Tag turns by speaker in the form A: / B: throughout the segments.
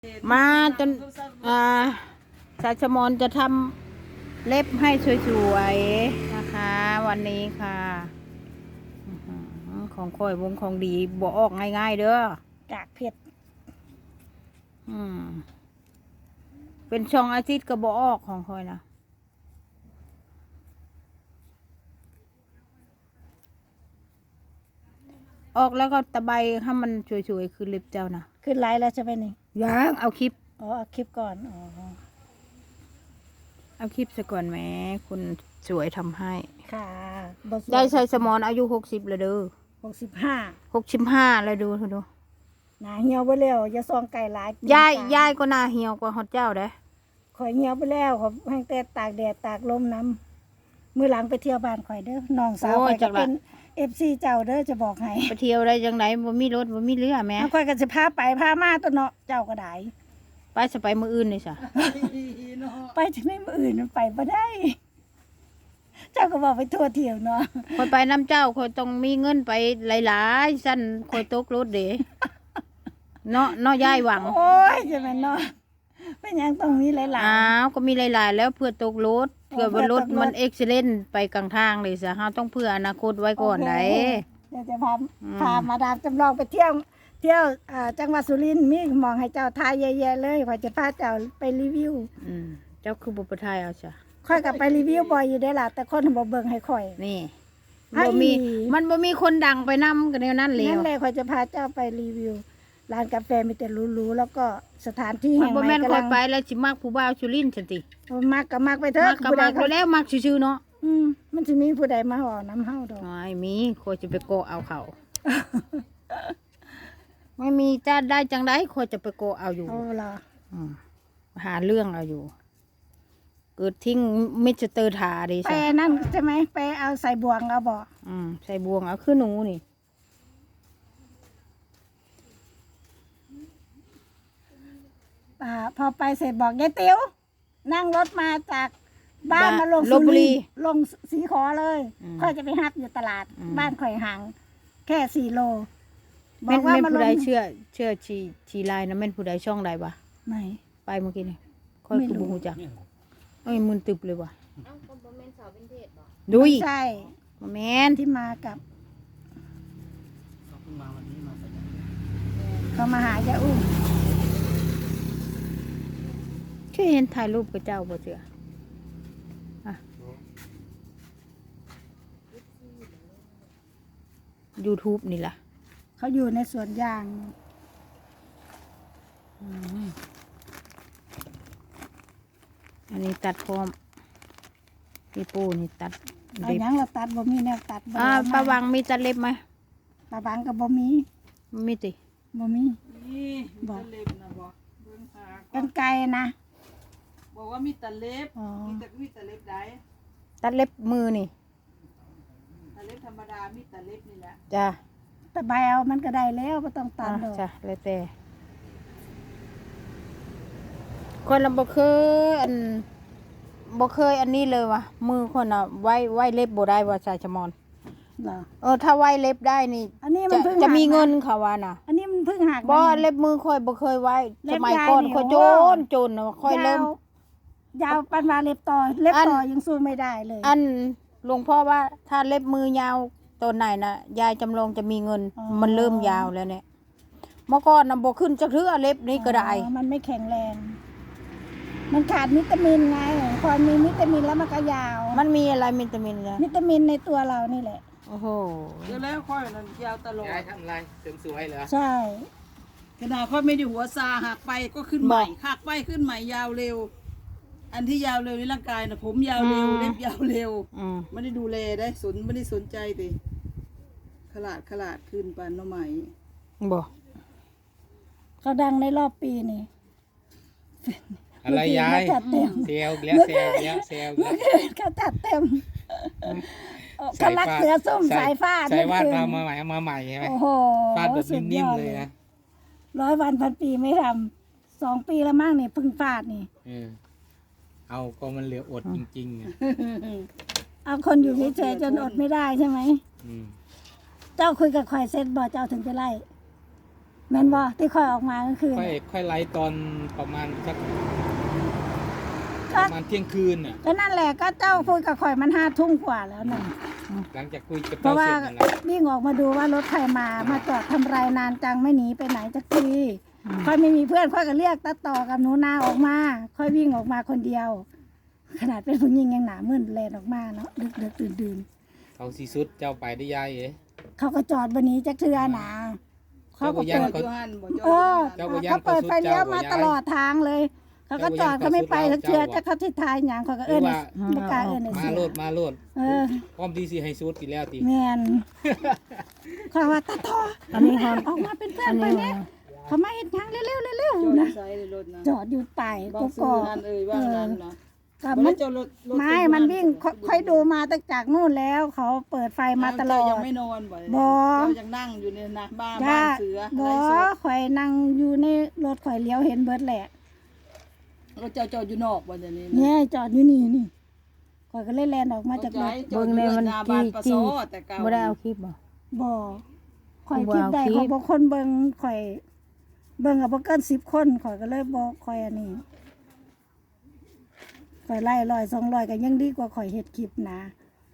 A: มาจนสายชมอนจะทำเล็บให้สวยๆนะคะ วันนี้ค่ะของค่อยวงของดีบ่ออกง่ายๆเด้อกากเผ็ดเป็นช่องอาทิตย์ก็บ่ออกของค่อยนะออกแล้วก็ตะไบให้มันสวยๆคือเล็บเจ้านะ
B: ขึ้นไลน์แล้วใช่ไหมนี่
A: ยังเอาคลิป
B: เอาคลิปก่อน
A: เอาคลิปซะก่อนแม่คุณสวยทำให้
B: ค่ะ
A: ได้ใส่สมอนอายุ60แล้วเด้อ
B: 65
A: เลยดู
B: หนาเหี่ยวไปแล้วอย่าซองไก่หลาย
A: ยายก็หน้าเหี่ยวกว่าฮอดเจ้าเด้
B: ข่อยเหี่ยวไปแล้วขอให้แต่ตากแดดตากลมน้ำมื้อหลังไปเที่ยวบ้านข่อยเด้อน้องสาวข่อยก็เป็น FC เจ้าเด้อจะบอกให้
A: ไปเที่ยวได้จังไดบ่มีรถบ่มีเรือแม่
B: ข่อยก็สิพาไปพามาตัวเนาะเจ้าก็ได้
A: ไปสิไปมื้ออื่นนี่ซะ
B: ไปจังได๋มื้ออื่นมันไปบ่ได้เจ้าก็บอกไปทั่วเที่ยวเนาะ
A: ข่อยไปน้ำเจ้าข่อยต้องมีเงินไปหลายๆซั่นข่อยตกรถเด้เนาะยายหวัง
B: โอ้ยจะแม่นเนาะเป็นหยังต้องมีหลายๆ
A: อ้าวก็มีหลายๆแล้วเพื่อตกรถเพื่อว่ารถมันเอ็กซิเดนต์ไปกลางทางเลยซะเฮาต้องเพื่ออนาคตไว้ก่อนได้
B: เดี๋ยวจะพามาดามจำลองไปเที่ยวจังหวัดสุรินทร์มีหมองให้เจ้าทายแย่ๆเลยข่อยจะพาเจ้าไปรีวิว
A: เจ้าคือบ่ไปถ่ายเอาซะ
B: ข่อยก็ไปรีวิวบ่อยอยู่ได้ล่ะแต่คนบ่เบิ่งให้ข่อย
A: นี่มันบ่มีคนดังไปนำกันแนวนั้นเลย
B: นั่นแหละข่อยจะพาเจ้าไปรีวิวร้านกาแฟมีแต่หรูๆแล้วก็สถานที่แห่งใหม่
A: บ่แม่นค่อยไปแล้วสิมักผู้บ่าวสุรินทร์จังติ
B: มักก็มักไปเถอะ
A: มักก็มักแล้วมักซื่อๆเนาะ
B: มันสิมีผู้ใดมาห่อน้ำเฮาดอก
A: ไม่มีข่อยจะไปโกะเอาเขาไม่มีจะได้จังได๋ข่อยจะไปโกะเอาอยู่
B: ล่ะ
A: หาเรื่องเอาอยู่เกิดทิ้งมิสเตอร์ถาดิ
B: ไปนั่นใช่ไหมไปเอาใส่บ่วงเอาบ่
A: ใส่บ่วงเอาคือหนูนี่
B: พอไปเสร็จบอกยายติ๋วนั่งรถมาจากบ้านมาลง
A: ลพบุรี
B: ลงสีขอเลยค่อยจะไปฮับอยู่ตลาดบ้านข่อยห่างแค่4 โล
A: บอกว่ามาลงผู้ใดเชื่อชีลายนะแม่นผู้ใดช่องใดวะ
B: ไม่
A: ไปเมื่อกี้นี่ค่อยคือบ่ฮู้จักมึนตึบเลยว่ะ
C: ก็บ่แม่นสาวเป็นเทศบ่
A: ดุย
B: ใช่
A: บ่แม่น
B: ที่มากับเขามาหายายอุ้ม
A: เคยเห็นถ่ายรูปกับเจ้าบ่เชื่อYouTube นี่ล่ะ
B: เขาอยู่ในสวนยาง
A: อันนี้ตัดพร้อมพี่ปูนี่ตัด
B: เล็บยังเราตัดบ่มีแนวตัด
A: ป้าวังมีตัดเล็บไหม
B: ป้าวังกับบ่มี
A: ติ
B: บ่มี
D: บอกเล็บนะบอกเบิ่งพา
B: กันไกลนะ
D: บอกว่ามีตัดเล็บมีตัดเล็บได้
A: ตัดเล็บมือนี่
D: ตัดเล็บธรรมดามีตัดเล็บนี่แหละ
A: จ้ะ
B: แต่ใบเอามันก็ได้แล้วไม่ต้องตัดดอก
A: จ้ะแล้วแต่คนเราบ่เคยอันนี้เลยว่ะมือคนไว้เล็บบ่ได้ว่าชายชะมอนถ้าไว้เล็บได้นี่
B: อันนี้มัน
A: จะมีเงินเขาว่าน่ะ
B: อันนี้มันเพิ่งหัก
A: บ่เล็บมือค่อยบ่เคยไว้สมัยก่อนค่อยโจนค่อยเริ่ม
B: ยาวปานว่าเล็บต่อยังสู้ไม่ได้เลย
A: อันหลวงพ่อว่าถ้าเล็บมือยาวตัวไหนน่ะยายจำลองจะมีเงินมันเริ่มยาวแล้วเนี่ยเมื่อก่อนน่ะบ่ขึ้นจักเทื่อเล็บนี้ก็ได้
B: มันไม่แข็งแรงมันขาดวิตามินไงพอมีวิตามินแล้วมันก็ยาว
A: มันมีอะไรวิตามินล่ะ
B: วิตามินในตัวเรานี่แหละ
A: โอ้โห
D: เดี๋ยวแล้วค่อยนั่นยาวตลอด
C: ยายทำอะไรเสริมสวยเหรอ
B: ใช่
D: ขนาดค่อยไม่ได้หัวซาหักไปก็ขึ้นใหม่หักไปขึ้นใหม่ยาวเร็วอันที่ยาวเร็วในร่างกายน่ะผมยาวเร็วเล็บยาวเร็วไม่ได้ดูแลได้ไม่ได้สนใจติขลาดขึ้นปานน้องใหม่
A: บ่
B: เขาดังในรอบปีนี่
C: อะไรยายเซลแล้ว
B: เขาจัดเต็มเขาลักเสือส้มสายฟาด
C: สายวาดมาใหม่ใช่ไหม
B: โอ้โห
C: ฟาดแบบนิ่มๆเลยนะ
B: 100 วันพันปีไม่ทำ2 ปีแล้วมั้งนี่พึ่งฟาดนี่
C: เอาก็มันเหลืออดจริง
B: ๆเอาคนอยู่เฉยๆจนอดไม่ได้ใช่ไหมเจ้าคุยกับข่อยเสร็จบ่เจ้าถึงจะไล่แม่นบ่ที่ค่อยออกมากลางคืน
C: ค่อยไล่ตอนประมาณสักประมาณเที่ยงคืนน่ะ
B: ก็นั่นแหละก็เจ้าคุยกับข่อยมัน5 ทุ่มกว่าแล้วน่ะ
C: หลังจากคุยกับ
B: เพ
C: เจ้า
B: ราะว่า
C: เสร็จนั่นแหละ
B: วิ่งออกมาดูว่ารถใครมาจอดทำไรนานจังไม่หนีไปไหนจักทีค่อยไม่มีเพื่อนค่อยก็เรียกตาต่อกับหนูนาออกมาค่อยวิ่งออกมาคนเดียว ขนาดเป็นผู้หญิงยังหนามึนแลนออกมาเนาะดึกดื่น
C: เขาสีสุดเจ้าไปได้ยายเอ๋
B: เขาก็จอดวันนี้จักเทือหนาเขาก็
C: เจ้า
B: เปิด
C: บ่
D: อยู่หันบ่จอด
B: เออ
C: เจ้าบ่ย่าน
B: เขาเปิดไฟเลี้ยวมา
C: เขาสุดเจ้าบ่ย่าน
B: ตลอดทางเลย เขาก็จอดเขาไม่ไปทักเทือจะเขาทิศทายอย่างเขาก็เอิ้นไม่กล้าเอิ้น
C: มา
B: เสีย
C: โลดมาโลด
B: เออ
C: พร้อมที่สิให้สุดอีกแล้วติ
B: แมนเขาว่าตาทอ
A: อันนี้ฮอน
B: ออกมาเป็นเพื่อนไปเนี่ยเขามาเห็นทางเร็วๆเร็ว
D: จอด
B: ๆนะ
D: ใส่ในรถนะ
B: จอดอยู่ป่าย
D: บอ
B: กู
D: กซื้
B: ก
D: อ
B: อก
D: นั่นเอ่ยว่านั้นนะ
B: กับ
D: มั
B: มัน น
D: จอดรถ
B: ไม่มันวิ่งค่อยดูมาตั้งจากนู่นแล้ว เขาเปิดไฟมาตลอด
D: ยังไม่นอนบ่
B: บ่
D: เจ้ายังนั่งอยู่ในนะบ้าน
B: จ้า
D: เสือ
B: บ่
D: ไรสด
B: ข่อยนั่งอยู่ในรถข่อยเลี้ยวเห็นเบิดแหละ
D: รถเจ้าจอดอยู่นอกบ่เดี๋ยวนี้
B: เนี่ยจอดอยู่นี่ข่อยก็เลยแลนออกมาจากรถ
D: จอดอยู่หน้าบ้านปะโซแต่เก่า
A: บ่ได้เอาคลิปบ่
B: บ่ข่อยคิดได้
A: บ่เอาคลิป
B: ของบางคนเบิ่งข่อยเบิ่งกับบ่เกิน10 คนข่อยก็เลยบ่ข่อยอันนี้ข่อยไล่100 200ก็ยังดีกว่าข่อยเฮ็ดคลิปนะ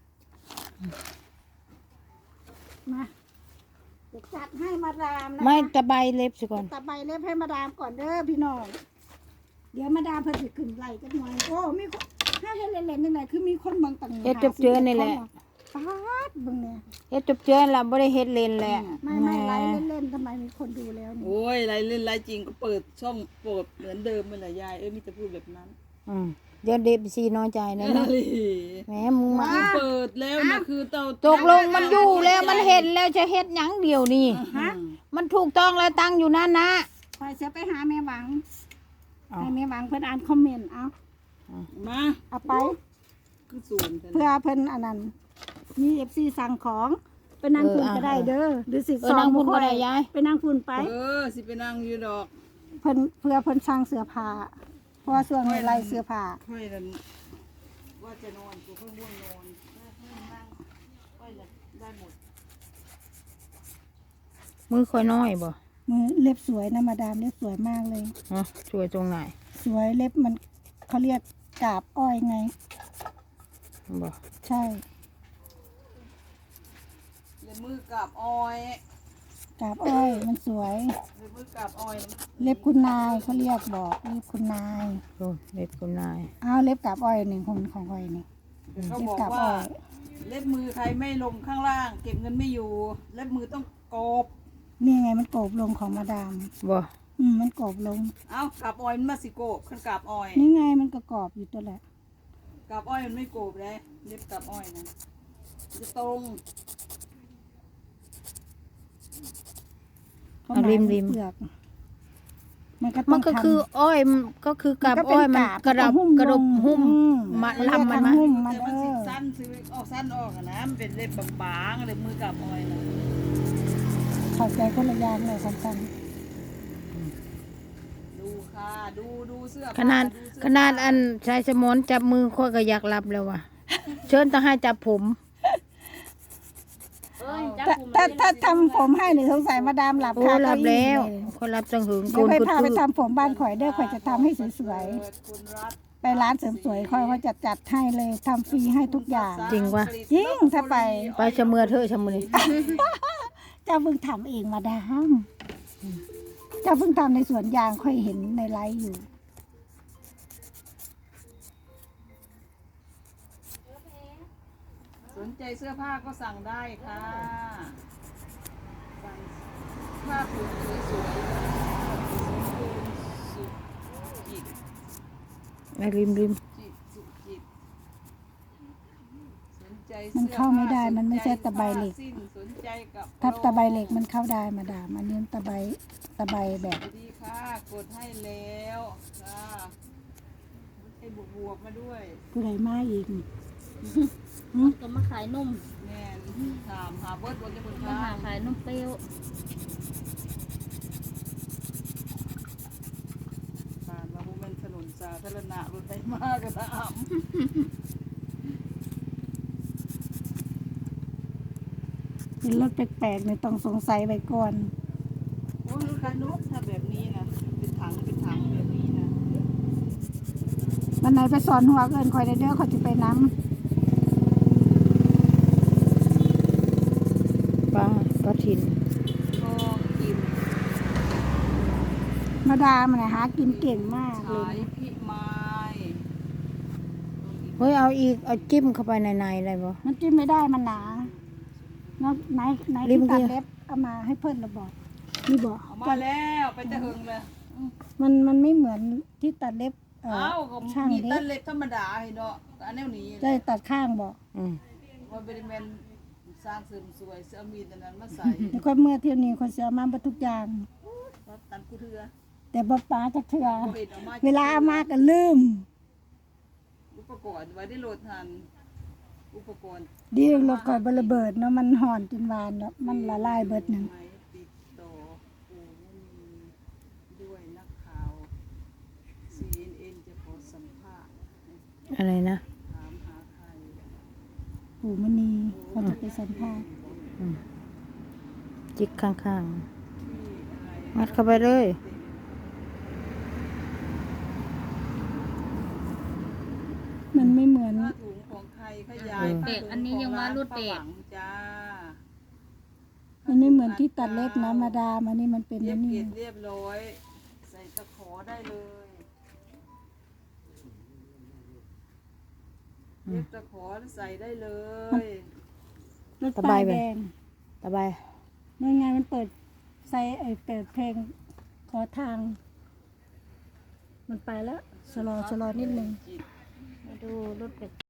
B: มาจะจัดให้มาดามนะ
A: ไม่ตะไบเล็บซะก่อน
B: ตะใบเล็บให้มาดามก่อนเด้อพี่น้องเดี๋ยวมาดามเพิ่นสิขึ้นไล่จักหน่อยโอ้มีคนถ้าเฮ็ดเล่นๆจังไดคือมีคนเบิ่งตั้ง
A: เฮ็ดจบเจือนี่แหละ
B: ป๊าดเบิ่งเนี่ย
A: เฮ็ดจบเจือล่ะบ่ได้เฮ็ดเล่นแหละ
B: ไม่ไลฟ์เล่นๆทำไมมีคนดูแล้วนี่
D: โอ้ยไรเล่นไรจริงก็เปิดช่องโปรดเหมือนเดิมมันแหละยายมีแต่พูดแบบนั้น
A: เดี๋ยวเด็บซีน้อยใจนะเนาะแหมมึงมา
D: เปิดแล้วนะคือเตา
A: ตกลงมันอยู่แล้วมันเห็นแล้วจะเฮ็ดหยังเดียวนี่
B: ฮะ
A: มันถูกต้องแล้วตั้งอยู่นั่นนะ
B: คอยจะไปหาแม่หวัง
A: เอา
B: ให้แม่หวังเพิ่นอ่านคอมเมนต์เอา
D: มา
B: เอาไป
D: คือศูนย์
B: เพื่อเพิ่นอันนั้นมี FC สั่งของไปนั่งคุณก็ได้เด้อหรือสิ
A: นั่งพุ่นก็ได้ยาย
B: ไปนั่งคุณไป
D: สิไปนั่งอยู่ดอก
B: เพิ่นเพื่อเพิ่นสั่งเสื้อผ้าเพราะว่าช่วงนี้ไล่เสื้อผ้า
D: ค่อยนั่นว่าจะนอนกูเพิ่งง่วงนอนนั่งค่อยได้หมด
A: มือค่อยน้อยบ่
B: มือเล็บสวยนะมาดามเล็บสวยมากเลย
A: ฮะช่วยตรงไหน
B: สวยเล็บมันเขาเรียกกาบอ้อยไง
A: บ่
B: ใช่
D: เลยมือกับอ้อย
B: กาบอ้อยมันสวย
D: เลยมือกับอ้อย
B: เล็บคุณนายเขาเรียกบอกเล็บคุณนาย
A: โอ้เล็บคุณนาย
B: อ้าวเล็บกาบอ้อยหนึ่งของอ้อยนี่
D: เขา
B: เล็บบ
D: อก
B: กาบ
D: ว่า
B: อ้อย
D: เล็บมือใครไม่ลงข้างล่าง เก็บเงินไม่อยู่ เล็บมือต้องโกบ
B: นี่ไงมันโกบลงของมาดาม
A: บ่
B: มันโกบลง
D: เอ้ากับอ้อยมันมาสิโกบขึ้นกับอ้อย
B: นี่ไงมันก็กรอบอยู่ตัวแหละ
D: กับอ้อยมันไม่โกบเลยเล็บกับอ้อยนะจะตรง
B: เขาหมายถึงเปลือกมันก็ต้
A: มั
B: อน ง
A: ก็
B: ทำ
A: คืออ้อยมันก็คือกับอ้อยมันกระดับกระดบหุ้มมาลำมันมา
B: หุ้มมัน
D: แต่มันสิสั้นซื้อออกสั้นออกอะนะมันเป็นเล็บบางๆเล็บมือกับอ้อยนะ
B: เข้าใจคนละอย่างเลยสั้น
D: ดูค่ะดูเสื้อ
A: ขนาด
D: ผ้ดูเสื้อ
A: ขนาด
D: ผ้
A: อันชายสมนจับมือค่อยก็อยากรับแล้วว่ะเชิญต้องให้จับผม
B: ๆถ้าทำผมให้หรือสงสัยมาดามหลับ
A: โอ้
B: คา
A: รั
B: เก้า
A: บ
B: อี้
A: แล้ว
B: เลย
A: คนรับจังหึง
B: เดี๋ยวค่อย
A: กุด
B: พาไป
A: คือ
B: ทำผมบ้านข่อยเด้อข่อยจะทำให้สวย
D: เปิดคุณรัฐ
B: ๆไปร้านเสริมสวยค่อยเขาจัดให้เลยทำฟรีให้ทุกอย่าง
A: จริงวะ
B: จริงถ้าไป
A: ไปชะเมือเธอชะมือ
B: เจ้าเพิ่งทำเองมาดามเจ้าเพิ่งทำในสวนยางค่อยเห็นในไลฟ์อยู่
D: สนใจเสื้อผ้าก็สั่งได้ค่ะสั่งผ้าผืนสวยๆสุจิต
A: ไอ้ริม
D: จิตสุจิตสนใจ
B: มันเข้าไม่ได้มันไม่ใช่ตะไบเหล็ก
D: สิ้นสนใจกับ
B: ถ้าตะไบเหล็กมันเข้าได้มาดามอันนี้ตะไบแบบ
D: สวัสดีค่ะกดให้แล้วค่ะให้บวกมาด้วย
B: ผู้ใดมาอีก
E: ก็มาขายนม
D: แม่นถามหาเบิร์ดบนจะบน
E: มา
D: ข้า
E: หาง ขายนมเปรี้ยว
D: ผ่านมาบุมันถนนสาธารณะรถไปมากกันนะอ่
B: เป็นรถแปลกๆเนี่ยต้องสงสัยไว้ก่อน
D: โอ้ยรถคัน
B: วันไหนไปสอนหัวเกินคอยได้เด้อคอยจะไปน้
A: ป้าทิน
D: ก็กิน
B: ำมาดามันน่ะหากินเก่งมากเล
D: ขาย
B: ย
D: พี่ไม้
A: เฮ้ยเอาอีกเอาจิ้มเข้าไปในได้บ่
B: มันจิ้มไม่ได้มันหนาเนาะไหน
A: ริ
B: ที่
A: ม
B: ตัด
A: เดียว
B: เล็บเอามาให้เพิ่นระบอกนี่บอก
D: เอามาแล้วไปจะเอิงเลย
B: มันไม่เหมือนที่ตัดเล็บ
D: เอ้าก็
B: ช่าง
D: มี
B: เล็
D: ตั
B: บ
D: นเล็บธรรมดาเห็นเนาะอันแนวนี้
B: ได้ตัดข้างบอก
D: ว่าเป็นแมนสร้างเสริมสวยเสื้อมีดอันนั้นมาใส่
B: แต่คนเมื่อเที่ยวนี้คนเสียมาบรรทุกอย่าง
D: ว่าตันกูเถือ
B: แต่บ่ป๋าจะเถื่อ
D: บ่เห็นเอามา
B: เวลาเอามาก็ลืม
D: อุปกรณ์ไว้ได้โหลดทันอุปกรณ์
B: ดีรถก่อนบระเบิดเนาะมันห่อนจนวานเนาะมันละลายเบิดหนึ่ง
D: ไม้ติดต่อปูนีด้วยนักข่าว CNN จะขอสัมภาษณ์
A: อะไรนะ
D: ถามหาใคร
B: ปู่มณีเขาจะไปสัมภาษณ์
A: จิกข้าง
D: ที่อะไร
A: ๆงัดเข้าไปเลย
B: มันไม่เหมือน
D: ผ้าถุงของใครขยาย
E: เบรกอันนี้ยังว่ารูดเบรก
D: จ้า
B: มันไม่เหมือนที่ตัดเล็บนะมาดามอันนี้มันเป็น
D: เย็
B: อั
D: บ
B: นนี้
D: เกล็ดเรียบร้อย ใส่ตะขอได้เลยเย็บตะขอใส่ได้เลย
B: รถป้ายแดง
A: ตะไบ
B: เมื่องานมันเปิดไซเปิดเพลงขอทาง มันไปแล้วชะลอนิดนึง
E: มาดูรถเบรก